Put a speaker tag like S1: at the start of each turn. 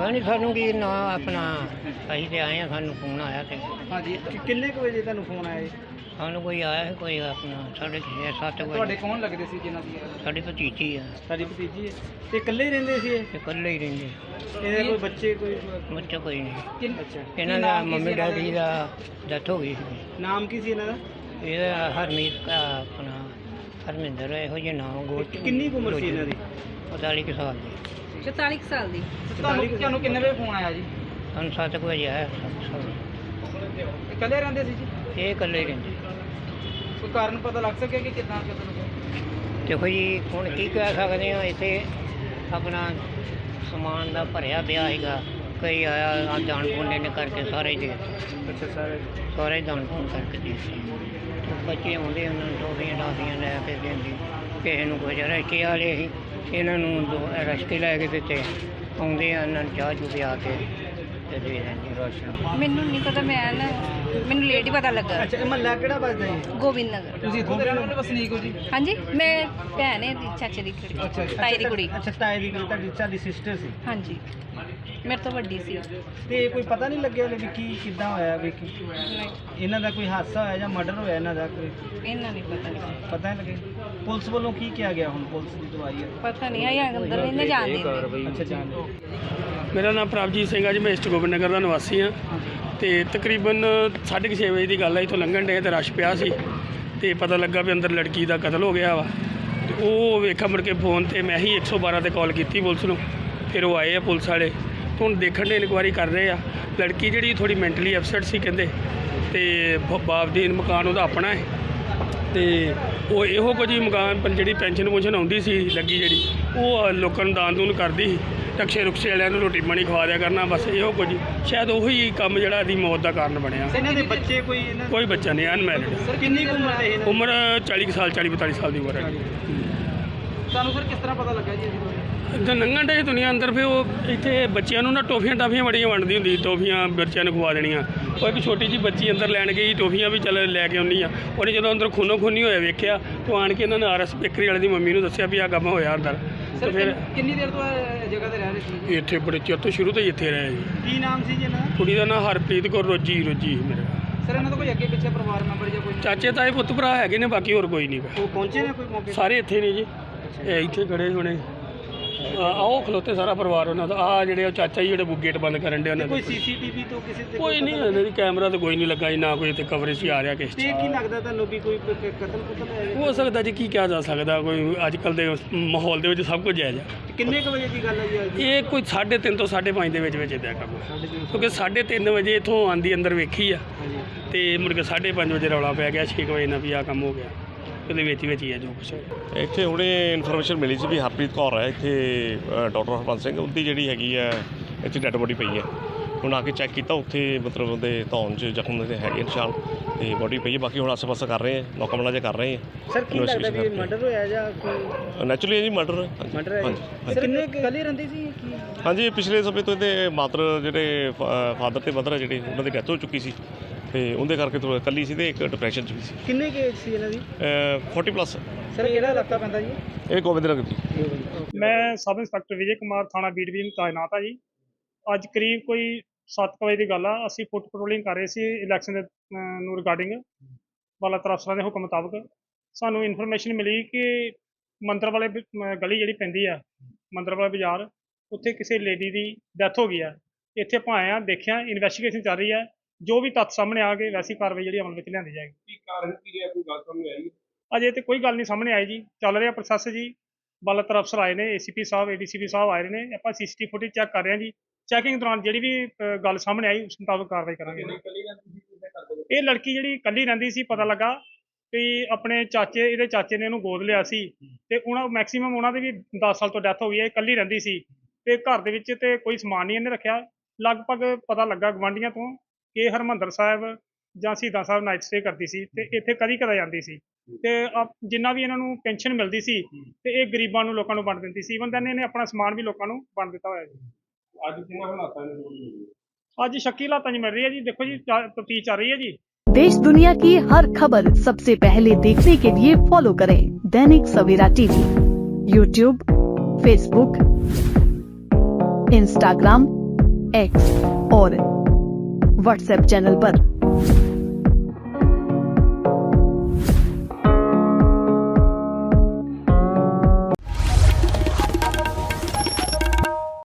S1: ਪਤਾ ਨਹੀਂ ਸਾਨੂੰ ਕੀ ਨਾ ਆਪਣਾ ਅਸੀਂ ਤੇ ਆਏ ਆ, ਸਾਨੂੰ ਫੋਨ ਆਇਆ ਤੇ
S2: ਹਾਂਜੀ ਕਿੰਨੇ ਕੁ ਵਜੇ ਤੁਹਾਨੂੰ ਫੋਨ ਆਇਆ ਜੀ?
S1: ਸਾਨੂੰ ਕੋਈ ਆਇਆ ਸੀ, ਕੋਈ ਆਪਣਾ 6:30
S2: ਤੁਹਾਡੇ
S1: ਵਜੇ।
S2: ਕੌਣ ਲੱਗਦੇ ਸੀ ਜਿਨ੍ਹਾਂ ਦੀ
S1: ਸਾਡੀ ਭਤੀਜੀ ਆ
S2: ਸਾਡੀ ਭਤੀਜੀ ਹੈ ਤੇ ਇਕੱਲੇ ਹੀ ਰਹਿੰਦੇ ਸੀ ਇਹ?
S1: ਤੇ ਇਕੱਲੇ ਹੀ ਰਹਿੰਦੇ,
S2: ਇਹਦੇ ਕੋਈ ਬੱਚੇ ਕੋਈ?
S1: ਬੱਚਾ ਕੋਈ ਨਹੀਂ।
S2: ਅੱਛਾ
S1: ਇਹਨਾਂ ਦਾ ਮੰਮੀ ਡੈਡੀ ਦਾ ਡੈਥ ਹੋ ਗਈ ਸੀ।
S2: ਨਾਮ ਕੀ ਸੀ ਇਹਨਾਂ ਦਾ?
S1: ਇਹਦਾ ਹਰਮੀਤ ਆਪਣਾ ਹਰਮਿੰਦਰ ਇਹੋ ਜਿਹੇ ਨਾਮ ਗੋਲ।
S2: ਕਿੰਨੀ ਕੁ ਉਮਰ ਸੀ ਇਹਨਾਂ ਦੀ?
S1: 45 ਕੁ ਸਾਲ ਦੀ।
S3: 44 ਸਾਲ ਦੀ।
S2: ਤੁਹਾਨੂੰ ਕਿੰਨੇ ਵਜੇ ਫੋਨ ਆਇਆ ਜੀ?
S1: ਸਾਨੂੰ 7 ਵਜੇ ਆਇਆ।
S2: ਇਕੱਲੇ ਰਹਿੰਦੇ ਸੀ ਜੀ?
S1: ਇਹ ਇਕੱਲੇ ਹੀ ਰਹਿੰਦੇ।
S2: ਕੋਈ ਕਾਰਨ ਪਤਾ ਲੱਗ ਸਕਿਆ ਕਿ ਕਿੱਦਾਂ ਕਦੋਂ?
S1: ਦੇਖੋ ਜੀ ਹੁਣ ਕੀ ਕਹਿ ਸਕਦੇ ਹਾਂ, ਇੱਥੇ ਆਪਣਾ ਸਮਾਨ ਦਾ ਭਰਿਆ ਪਿਆ ਹੈਗਾ, ਕਈ ਆਇਆ ਦਾਨ ਪੁੰਨ ਨੇ ਕਰਕੇ ਸਾਰੇ ਦੇ।
S2: ਅੱਛਾ
S1: ਸਾਰੇ ਦਾਨ ਪੁੰਨ ਕਰਕੇ ਦੇ ਦਿੱਤੇ। ਬੱਚੇ ਆਉਂਦੇ ਉਹਨਾਂ ਨੂੰ ਟੋਫੀਆਂ ਟਾਫੀਆਂ ਲੈ ਕੇ ਦਿੰਦੀ, ਕਿਸੇ ਨੂੰ ਕੁਝ ਰਸ਼ਕੇ ਵਾਲੇ ਸੀ, ਇਹਨਾਂ ਨੂੰ ਰਸ਼ਕੇ ਲੈ ਕੇ ਦਿੱਤੇ। ਆਉਂਦੇ ਆ ਇਹਨਾਂ ਨੂੰ ਚਾਹ ਚੂ ਪਿਆ ਕੇ ਤੇ ਦੇ ਦਿੰਦੇ ਰਾਸ਼ਨ।
S3: ਮੈਨੂੰ ਨਹੀਂ ਪਤਾ, ਮੈਨੂੰ ਲੇਟ ਹੀ ਪਤਾ ਲੱਗਾ।
S2: ਅੱਛਾ ਇਹ ਮਹੱਲਾ ਕਿਹੜਾ ਵੱਜਦਾ ਜੀ?
S3: ਗੋਬਿੰਦ ਨਗਰ।
S2: ਤੁਸੀਂ ਇੱਥੋਂ ਦੇ ਰਹਿਣ ਵਾਲੇ ਵਸਨੀਕ ਹੋ ਜੀ?
S3: ਹਾਂਜੀ, ਮੈਂ ਭੈਣ ਹੈ ਦੀ ਚਾਚੇ ਦੀ ਕੁੜੀ, ਤਾਈ ਦੀ ਕੁੜੀ।
S2: ਅੱਛਾ ਤਾਏ ਦੀ ਕੁੜੀ ਤੁਹਾਡੀ ਸਿਸਟਰ ਸੀ?
S3: ਹਾਂਜੀ, ਮੇਰੇ ਤੋਂ ਵੱਡੀ ਸੀ।
S2: ਤੇ ਕੋਈ ਪਤਾ ਨਹੀਂ ਲੱਗਿਆ ਵੀ ਕੀ ਕਿੱਦਾਂ ਹੋਇਆ ਵੀ ਕੀ
S3: ਨਹੀਂ,
S2: ਇਹਨਾਂ ਦਾ ਕੋਈ ਹਾਦਸਾ ਹੋਇਆ ਜਾਂ ਮਰਡਰ ਹੋਇਆ ਇਹਨਾਂ ਦਾ? ਕੋਈ
S3: ਇਹਨਾਂ ਨਹੀਂ ਪਤਾ।
S2: ਪਤਾ ਨਹੀਂ ਲੱਗਿਆ। ਪੁਲਿਸ ਵੱਲੋਂ ਕੀ ਕਿਹਾ ਗਿਆ? ਹੁਣ ਪੁਲਿਸ ਦੀ ਦਵਾਈ ਹੈ?
S3: ਪਤਾ ਨਹੀਂ ਆਇਆ ਅੰਦਰ ਨਹੀਂ ਜਾਣ ਦਿੰਦੇ।
S2: ਅੱਛਾ ਜਾਣ
S4: ਮੇਰਾ ਨਾਮ ਪ੍ਰਭਜੀਤ ਸਿੰਘ ਆ ਜੀ, ਮੈਂ ਈਸਟ ਗੋਬਿੰਦ ਨਗਰ ਦਾ ਨਿਵਾਸੀ ਹਾਂ। ਤੇ ਤਕਰੀਬਨ 6:30 ਵਜੇ ਦੀ ਗੱਲ ਹੈ, ਇੱਥੋਂ ਲੰਘਣ ਡੇ ਤੇ ਰਸ਼ ਪਿਆ ਸੀ ਤੇ ਪਤਾ ਲੱਗਾ ਵੀ ਅੰਦਰ ਲੜਕੀ ਦਾ ਕਤਲ ਹੋ ਗਿਆ ਵਾ। ਤੇ ਉਹ ਵੇਖਾ ਮੁੜ ਕੇ ਫੋਨ ਤੇ ਮੈਂ ਹੀ 112 ਤੇ ਕਾਲ ਕੀਤੀ ਪੁਲਿਸ ਨੂੰ। ਫਿਰ ਉਹ ਆਏ ਆ ਪੁਲਿਸ ਵਾਲੇ, ਹੁਣ ਦੇਖਣ ਦੇ ਇਨਕੁਆਇਰੀ ਕਰ ਰਹੇ ਆ। ਲੜਕੀ ਜਿਹੜੀ ਥੋੜੀ ਮੈਂਟਲੀ ਅਪਸੈਟ ਸੀ ਕਹਿੰਦੇ, ਤੇ ਬਾਪ ਦੀ ਮਕਾਨ ਉਹਦਾ ਆਪਣਾ ਹੈ ਤੇ ਉਹ ਇਹੋ ਕੁਝ ਹੀ ਮਕਾਨ ਪਰ ਜਿਹੜੀ ਪੈਨਸ਼ਨ ਆਉਂਦੀ ਸੀ ਲੱਗੀ ਜਿਹੜੀ, ਉਹ ਲੋਕਾਂ ਨੂੰ ਦਾਨ ਦੂਨ ਕਰਦੀ ਸੀ। ਟਕਸ਼ੇ ਰੁਕਸ਼ੇ ਵਾਲਿਆਂ ਨੂੰ ਰੋਟੀ ਪਾਣੀ ਖਵਾ ਦਿਆ ਕਰਨਾ, ਬਸ ਇਹੋ ਕੁਝ। ਸ਼ਾਇਦ ਉਹੀ ਕੰਮ ਜਿਹੜਾ ਇਹਦੀ ਮੌਤ ਦਾ ਕਾਰਨ ਬਣਿਆ।
S2: ਇਹਨਾਂ ਦੇ ਬੱਚੇ ਕੋਈ?
S4: ਕੋਈ ਬੱਚਾ ਨਹੀਂ, ਅਨਮੈਰਿਡ।
S2: ਸਰ ਕਿੰਨੀ ਕੁ ਉਮਰ ਦੇ?
S4: ਉਮਰ 40 ਸਾਲ 40-42 ਸਾਲ ਦੀ ਉਮਰ ਹੈ।
S2: ਤੁਹਾਨੂੰ ਸਰ ਕਿਸ ਤਰ੍ਹਾਂ ਪਤਾ ਲੱਗਾ ਜੀ?
S4: ਇੱਦਾਂ ਲੰਘਣ ਡੇ ਦੁਨੀਆ ਅੰਦਰ, ਫਿਰ ਉਹ ਇੱਥੇ ਬੱਚਿਆਂ ਨੂੰ ਨਾ ਟੋਫੀਆਂ ਟਾਫੀਆਂ ਬੜੀਆਂ ਵੰਡਦੀ ਹੁੰਦੀ, ਟੋਫੀਆਂ ਬੱਚਿਆਂ ਨੂੰ ਖਵਾ ਦੇਣੀਆਂ। ਉਹ ਇੱਕ ਛੋਟੀ ਜਿਹੀ ਬੱਚੀ ਅੰਦਰ ਲੈਣ ਗਈ, ਟੋਫੀਆਂ ਵੀ ਚੱਲ ਲੈ ਕੇ ਆਉਂਦੀ ਆ। ਉਹਨੇ ਜਦੋਂ ਅੰਦਰ ਖੂਨੋ ਖੂਨੀ ਹੋਇਆ ਵੇਖਿਆ ਤਾਂ ਆਣ ਕੇ ਇਹਨਾਂ ਨੇ RS ਬੇਕਰੀ ਵਾਲੇ ਦੀ ਮੰਮੀ ਨੂੰ ਦੱਸਿਆ ਵੀ ਆਹ ਕੰਮ ਹੋਇਆ ਅੰਦਰ। ਤੇ ਫਿਰ
S2: ਕਿੰਨੀ ਦੇਰ ਤੋਂ ਇਹ ਜਗ੍ਹਾ ਤੇ ਰਹਿ ਰਹੇ ਸੀ?
S4: ਇੱਥੇ ਬੜੇ ਚਿਰ ਤੋਂ ਸ਼ੁਰੂ ਤੋਂ ਹੀ ਇੱਥੇ ਰਹੇ ਜੀ।
S2: ਕੀ ਨਾਮ ਸੀ ਜੀ ਇਹਨਾਂ ਦਾ?
S4: ਕੁੜੀ ਦਾ ਨਾਂ ਹਰਪ੍ਰੀਤ ਕੌਰ ਰੋਜੀ ਮੇਰਾ।
S2: ਸਰ ਇਹਨਾਂ ਦਾ ਕੋਈ ਅੱਗੇ ਪਿੱਛੇ ਪਰਿਵਾਰ ਮੈਂਬਰ ਜਾਂ ਕੋਈ?
S4: ਚਾਚੇ ਤਾਏ ਪੁੱਤ ਭਰਾ ਹੈਗੇ ਨੇ, ਬਾਕੀ ਹੋਰ ਕੋਈ ਨਹੀਂ।
S2: ਉਹ ਪਹੁੰਚੇ ਨੇ ਕੋਈ ਮੌਕੇ?
S4: ਸਾਰੇ ਇੱਥੇ ਨੇ ਜੀ, ਇਹ ਇੱਥੇ ਖੜੇ ਹੋਣੇ। ਆਓ ਖਲੋਤੇ ਸਾਰਾ ਪਰਿਵਾਰ ਉਹਨਾਂ ਦਾ। ਆ ਜਿਹੜੇ ਉਹ ਚਾਚਾ ਜੀ ਜਿਹੜੇ ਗੇਟ ਬੰਦ ਕਰਨ ਡੇ ਉਹਨਾਂ
S2: ਕੋਈ
S4: ਦੇ।
S2: CCTV ਤੋਂ ਕਿਸੇ ਤੇ
S4: ਕੋਈ ਨਹੀਂ, ਇਹਨਾਂ ਦੀ ਕੈਮਰਾ ਤੇ ਕੋਈ ਨਹੀਂ ਲੱਗਾ ਜੀ, ਨਾ ਕੋਈ ਇੱਥੇ ਕਵਰੇਜ ਹੀ ਆ ਰਿਹਾ ਕਿਸੇ
S2: ਤੇ ਕੀ ਲੱਗਦਾ ਤੁਹਾਨੂੰ ਵੀ ਕੋਈ ਕਤਲ ਹੈ?
S4: ਹੋ ਸਕਦਾ ਜੀ, ਕੀ ਕਿਹਾ ਜਾ ਸਕਦਾ। ਕੋਈ ਅੱਜ ਕੱਲ੍ਹ ਦੇ ਮਾਹੌਲ ਦੇ ਵਿੱਚ ਸਭ ਕੁਝ ਜਾਇਜ਼ ਆ।
S2: ਕਿੰਨੇ ਕੁ ਵਜੇ ਦੀ ਗੱਲ ਹੈ ਜੀ ਅੱਜ?
S4: ਇਹ ਕੋਈ 3:30 ਤੋਂ 5:30 ਦੇ ਵਿੱਚ ਇੱਦਾਂ ਕੰਮ, ਕਿਉਂਕਿ 3:30 ਵਜੇ ਇੱਥੋਂ ਆਂਦੀ ਅੰਦਰ ਵੇਖੀ ਆ ਤੇ ਮੁੜ ਕੇ 5:30 ਵਜੇ ਰੌਲਾ ਪੈ ਗਿਆ 6 ਵਜੇ ਨਾਲ ਵੀ ਆਹ ਕੰਮ ਹੋ ਗਿਆ। ਉਹਦੇ ਵਿੱਚ ਹੀ ਆ ਜੋ ਕੁਛ।
S5: ਇੱਥੇ ਹੁਣੇ ਇਨਫੋਰਮੇਸ਼ਨ ਮਿਲੀ ਸੀ ਵੀ ਹਰਪ੍ਰੀਤ ਕੌਰ ਹੈ ਇੱਥੇ, ਡਾਕਟਰ ਹਰਬੰਸ ਸਿੰਘ ਉਹਦੀ ਜਿਹੜੀ ਹੈਗੀ ਹੈ ਇੱਥੇ ਡੈੱਡ ਬੋਡੀ ਪਈ ਹੈ। ਹੁਣ ਆ ਕੇ ਚੈੱਕ ਕੀਤਾ, ਉੱਥੇ ਮਤਲਬ ਉਹਦੇ ਧੌਣ 'ਚ ਜ਼ਖਮ ਦੇ ਹੈਗੇ ਨਿਸ਼ਾਨ ਤੇ ਬੋਡੀ ਪਈ ਹੈ। ਬਾਕੀ ਹੁਣ ਆਸੇ ਪਾਸੇ ਕਰ ਰਹੇ ਹਾਂ, ਨੌਕਾ ਮਲਾ ਕਰ ਰਹੇ ਹਾਂ।
S2: ਸਰ ਕੀ ਲੱਗਦਾ ਵੀ ਮਰਡਰ ਹੋਇਆ ਜਾਂ ਕੋਈ?
S5: ਨੈਚੁਰਲੀ ਜੀ ਮਰਡਰ
S2: ਹੈ। ਸਰ ਕਿੰਨੇ ਕੱਲੇ ਰਹਿੰਦੇ ਸੀ ਕੀ?
S5: ਹਾਂਜੀ, ਪਿਛਲੇ ਸਮੇਂ ਤੋਂ ਇਹਦੇ ਮਾਤਰ ਜਿਹੜੇ ਫਾਦਰ ਤੇ ਮਦਰ ਜਿਹੜੇ ਉਹਨਾਂ ਦੀ ਡੈਥ ਹੋ ਚੁੱਕੀ ਸੀ ਤੇ ਉਹਦੇ ਕਰਕੇ ਥੋੜਾ ਇਕੱਲੀ ਸੀ ਤੇ ਇੱਕ ਡਿਪਰੈਸ਼ਨ 'ਚ ਵੀ ਸੀ।
S2: ਕਿੰਨੇ ਕੁ ਏਜ ਸੀ ਇਹਨਾਂ ਦੀ?
S5: 40+।
S2: ਸਰ ਕਿਹੜਾ ਇਲਾਕਾ ਪੈਂਦਾ ਜੀ?
S5: ਇਹ ਗੋਬਿੰਦ ਨਗਰ ਜੀ।
S4: ਮੈਂ ਸਬ ਇੰਸਪੈਕਟਰ ਵਿਜੇ ਕੁਮਾਰ, ਥਾਣਾ ਬੀਟ ਵਿਜਨ ਤਾਇਨਾਤ ਆ ਜੀ। ਅੱਜ ਕਰੀਬ ਕੋਈ 7 ਵਜੇ ਦੀ ਗੱਲ ਆ। ਅਸੀਂ ਫੁੱਟ ਪੈਟਰੋਲਿੰਗ ਕਰ ਰਹੇ ਸੀ ਇਲੈਕਸ਼ਨ ਦੇ ਨੂੰ ਰਿਗਾਰਡਿੰਗ ਵਾਲਾ ਅਫਸਰਾਂ ਦੇ ਹੁਕਮ ਮੁਤਾਬਕ। ਸਾਨੂੰ ਇਨਫੋਰਮੇਸ਼ਨ ਮਿਲੀ ਕਿ ਮੰਦਰ ਵਾਲੇ ਗਲੀ ਜਿਹੜੀ ਪੈਂਦੀ ਆ, ਮੰਦਰ ਵਾਲਾ ਬਾਜ਼ਾਰ, ਉੱਥੇ ਕਿਸੇ ਲੇਡੀ ਦੀ ਡੈਥ ਹੋ ਗਈ ਆ। ਇੱਥੇ ਆਪਾਂ ਆਏ ਆ, ਦੇਖਿਆ, ਇਨਵੈਸਟੀਗੇਸ਼ਨ ਚੱਲ ਰਹੀ ਹੈ। ਜੋ ਵੀ ਤੱਥ ਸਾਹਮਣੇ ਆ ਗਏ ਵੈਸੀ ਕਾਰਵਾਈ ਜਿਹੜੀ ਅਮਲ ਵਿੱਚ ਲਿਆਂਦੀ ਜਾਏਗੀ। ਕੀ ਕਾਰਨ ਕੀ ਹੈ, ਕੋਈ ਗੱਲ ਸਾਹਮਣੇ ਆਈ? ਅਜੇ ਤੇ ਕੋਈ ਗੱਲ ਨਹੀਂ ਸਾਹਮਣੇ ਆਈ ਜੀ, ਚੱਲ ਰਿਹਾ ਪ੍ਰੋਸੈਸ ਜੀ। ਬਾਲਾਤਰ ਅਫਸਰ ਆਏ ਨੇ, ACP ਸਾਹਿਬ, ADCP ਸਾਹਿਬ ਆਏ ਨੇ। ਆਪਾਂ CCTV ਫੁਟੇਜ ਚੈੱਕ ਕਰ ਰਹੇ ਹਾਂ ਜੀ। ਚੈਕਿੰਗ ਦੌਰਾਨ ਜਿਹੜੀ ਵੀ ਗੱਲ ਸਾਹਮਣੇ ਆਈ ਉਸ ਮੁਤਾਬਕ ਕਾਰਵਾਈ ਕਰਾਂਗੇ। ਇਹ ਲੜਕੀ ਜਿਹੜੀ ਇਕੱਲੀ ਰਹਿੰਦੀ ਸੀ, ਪਤਾ ਲੱਗਾ ਕਿ ਆਪਣੇ ਚਾਚੇ, ਇਹਦੇ ਚਾਚੇ ਨੇ ਇਹਨੂੰ ਗੋਦ ਲਿਆ ਸੀ ਤੇ ਉਹਨਾਂ ਮੈਕਸੀਮਮ ਉਹਨਾਂ ਦੀ ਵੀ 10 ਸਾਲ ਤੋਂ ਡੈਥ ਹੋ ਗਈ ਹੈ। ਇਕੱਲੀ ਰਹਿੰਦੀ ਸੀ ਤੇ ਘਰ ਦੇ ਵਿੱਚ ਤੇ ਕੋਈ ਸਮਾਨ ਨਹੀਂ ਇਹਨੇ ਰੱਖਿਆ। ਲਗਭਗ ਪਤਾ ਲੱਗਾ ਗਵਾਂਢੀਆਂ ਤੋਂ ਕਿ ਹਰਿਮੰਦਰ ਸਾਹਿਬ ਜਾਂ ਸ਼ਹੀਦਾਂ ਸਾਹਿਬ ਨਾਈਟ ਸਟੇ ਕਰਦੀ ਸੀ ਤੇ ਇੱਥੇ ਕਦੀ ਜਾਂਦੀ ਸੀ ਤੇ ਜਿੰਨਾ ਵੀ ਇਹਨਾਂ ਨੂੰ ਪੈਨਸ਼ਨ ਮਿਲਦੀ ਸੀ ਤੇ ਇਹ ਗਰੀਬਾਂ ਨੂੰ, ਲੋਕਾਂ ਨੂੰ ਵੰਡ ਦਿੰਦੀ ਸੀ। ਇਵਨ ਦੈਨ ਇਹਨੇ ਆਪਣਾ ਸਮਾਨ ਵੀ ਲੋਕਾਂ ਨੂੰ ਵੰਡ ਦਿੱਤਾ ਹੋਇਆ ਜੀ। ਅੱਜ ਕਿਹਨਾਂ ਹਾਲਾਤਾਂ ਨੇ? ਅੱਜ ਸ਼ੱਕੀ ਹਾਲਾਤਾਂ 'ਚ ਮਿਲ ਰਹੀ ਹੈ ਜੀ। ਦੇਖੋ ਜੀ, ਤਫਤੀਸ਼ ਚੱਲ ਰਹੀ है जी।
S6: देश दुनिया की हर खबर सबसे पहले देखने के लिए फॉलो करें Dainik Savera TV, YouTube, Facebook, Instagram, X और व्हाट्सएप चैनल पर।